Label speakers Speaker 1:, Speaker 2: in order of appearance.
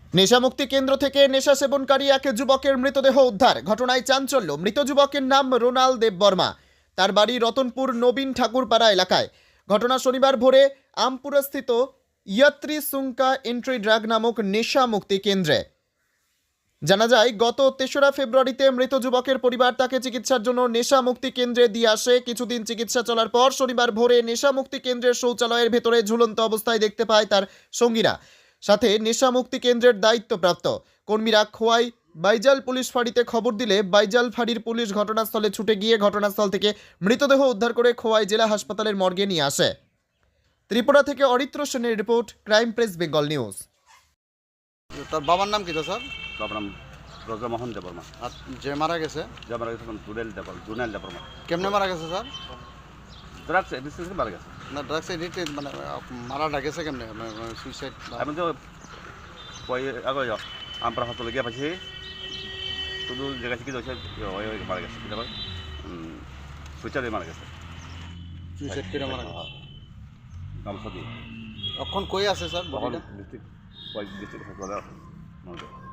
Speaker 1: নেশামুক্তি কেন্দ্র থেকে নেশা সেবনকারী এক যুবকের মৃতদেহ উদ্ধার। ঘটনায় চাঞ্চল্য। মৃত যুবকের নাম রোনাল দেববর্মা। তার বাড়ি রতনপুর নবীন ঠাকুরপাড়া এলাকায়। ঘটনা শনিবার ভোরে আমপুরাস্থিত ইয়াত্রী সুঙ্কা এন্ট্রি ড্রাগ নামক নেশা মুক্তি কেন্দ্রে। জানা যায়, গত ৩রা ফেব্রুয়ারিতে মৃত যুবকের পরিবার তাকে চিকিৎসার জন্য নেশা মুক্তি কেন্দ্রে দিয়ে আসে। কিছুদিন চিকিৎসা চলার পর শনিবার ভোরে নেশা মুক্তি কেন্দ্রের শৌচালয়ের ভেতরে ঝুলন্ত অবস্থায় দেখতে পায় তার সঙ্গীরা, সাথে নেশা মুক্তি কেন্দ্রের দায়িত্বপ্রাপ্ত কর্মীরা। খোয়াই বাইজাল পুলিশ ফাঁড়িতে খবর দিলে বাইজাল ফাঁড়ির পুলিশ ঘটনাস্থলে ছুটে গিয়ে ঘটনাস্থল থেকে মৃতদেহ উদ্ধার করে খোয়াই জেলা হাসপাতালের মর্গে নিয়ে আসে। ত্রিপুরা থেকে অরিত্র সেনের report, crime press Bengal news.
Speaker 2: তার বাবার নাম কি তো স্যার?
Speaker 3: বাবার নাম ব্রজমোহন দেববর্মা।
Speaker 2: আর যে মারা গেছে
Speaker 3: যে মারা গেছে জুনেল দেববর্মা।
Speaker 2: কেমনে মারা গেছে স্যার?
Speaker 3: ড্রাগস এডিকশন মারা গেছে।
Speaker 2: না ড্রাগস এডিক্টেড মানে মারাটা গেছে কেমনে? সুইসাইড?
Speaker 3: আমি তো কই আগে আমরা হাসপাতালে গিয়ে পাইছি, শুধু জায়গা থেকে যাচ্ছে মারা গেছে। কি ব্যাপার? সুইসাইডে মারা গেছে।
Speaker 2: সুইসাইড করে মারা গেছে।
Speaker 3: গামছা দিয়ে
Speaker 2: এখন কই আছে স্যার?
Speaker 3: তখন ডিস্ট্রিক্ট হাসপাতালে